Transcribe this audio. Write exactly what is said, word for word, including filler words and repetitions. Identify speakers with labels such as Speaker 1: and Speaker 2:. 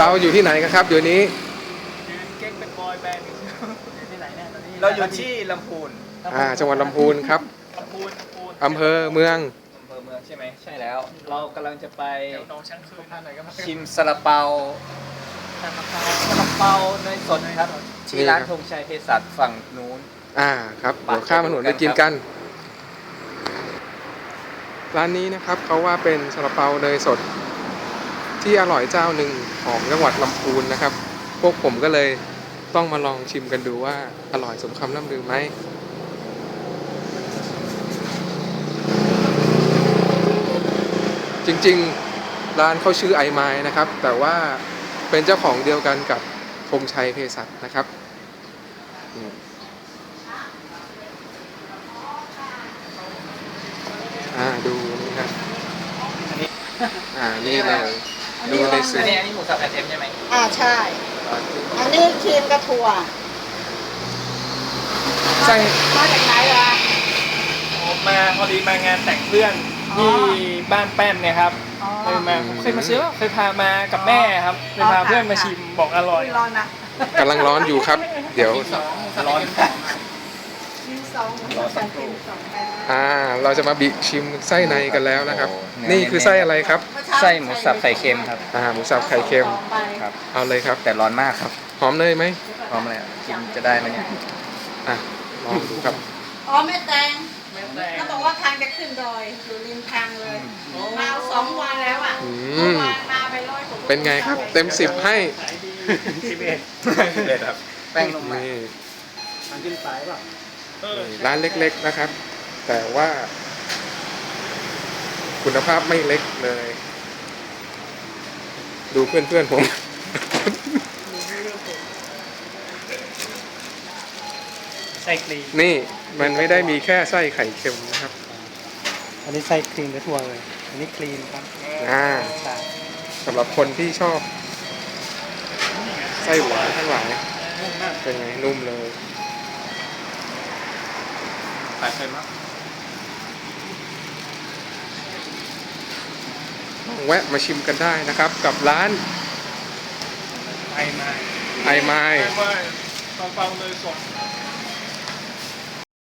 Speaker 1: เราอยู่ที่ไหนกันครับเดี๋ยวนี้
Speaker 2: เก่งเป็นบอยแบนด์ที่ไหนเนี่ยตอนนี้
Speaker 3: เราอยู่ที่ลำพูน
Speaker 1: อ่าจังหวัดลำพูนครับ
Speaker 2: ลำพูนลำพูน
Speaker 1: อำเภอเมือง
Speaker 3: อำเภอเมืองใช่ไหมใช่แล้วเรากำลังจะไป
Speaker 2: เดี๋ยวน้องช่างคืนท่านไหนก็มา
Speaker 3: ชิมซาลาเปาซาลาเปาซาลาเปาเนยสดครับที่ร้านธงชัยเภสัชฝั่งนู้น
Speaker 1: อ่าครับเดี๋ยวข้ามถนนไปกินกันร้านนี้นะครับเขาว่าเป็นซาลาเปาเนยสดที่อร่อยเจ้าหนึ่งของจังหวัดลำพูนนะครับพวกผมก็เลยต้องมาลองชิมกันดูว่าอร่อยสมคำล่ำลือไหมจริงๆร้านเขาชื่อไอไม้นะครับแต่ว่าเป็นเจ้าของเดียวกันกับธงชัยเภสัชนะครับอ่าดูนี่ครับอันนี้อ่านี่เลยดูในสื่อ
Speaker 3: อันนี้อันนี้หมูสับไข่เค็มใช่ไหม
Speaker 4: อ่าใช่อันนี้ครีมกระถั่ว
Speaker 1: ใช่
Speaker 4: มาจากไหนล่ะ
Speaker 2: มาพอดีมางานแต่งเพื่อนที่บ้านแป้นเนี่ยครับเคยมาเคยมาซื้อเคยพามากับแม่ครับเคยพาเพื่อนมาชิมบอกอร่อย
Speaker 4: ร้อนนะ
Speaker 1: กำลังร้อนอยู่ครับเดี๋ยว
Speaker 3: ร้อน
Speaker 4: มีสองหมูสับไข่เค็มสองแบบ
Speaker 1: อ่าเราจะมาบิชิมไส้ในกันแล้วนะครับนี่คือไส้อะไรครับ
Speaker 3: ไส้หมูสับไข่เค็มครับ
Speaker 1: อ่าหมูสับไข่เค็ม
Speaker 3: ครับ
Speaker 1: เอาเลยครับ
Speaker 3: แต่ร้อนมากครับ
Speaker 1: หอมเนยไหม
Speaker 3: หอมอะไรกินจะได้ไหมเนี่ย
Speaker 1: อ่ะลองดูครับ
Speaker 4: อ๋อแม่แตงเขาบอกว่าทางจะขึ้นดอยอยู่ริมทางเลยมาสองวันแล้วอ่ะมามาไปร้อยกว่า
Speaker 1: เป็นไงครับเต็มสิบให้
Speaker 2: สิบเอ็ด
Speaker 3: สิบเอ็ดครับแป้งลงมา
Speaker 2: ทางขึ้นสายป่ะ
Speaker 1: ร้านเล็กๆนะครับแต่ว่าคุณภาพไม่เล็กเลยดูเพื่อนๆผม
Speaker 2: ไส้ครีม
Speaker 1: นี่มันไม่ได้มีแค่ไส้ไข่เค็มนะครับ
Speaker 2: อันนี้ไส้ครีมและถั่วเลยอันนี้ครีมครับ
Speaker 1: อ่าสำหรับคนที่ชอบไส้หวานทั้งหลายเป็นไงนุ่มเลย
Speaker 3: ใส่เค็มครับ
Speaker 1: แวะมาชิมกันได้นะครับกับร้าน
Speaker 2: ไอไม้
Speaker 1: ไอไม้
Speaker 2: ซาลาเปาเนยสด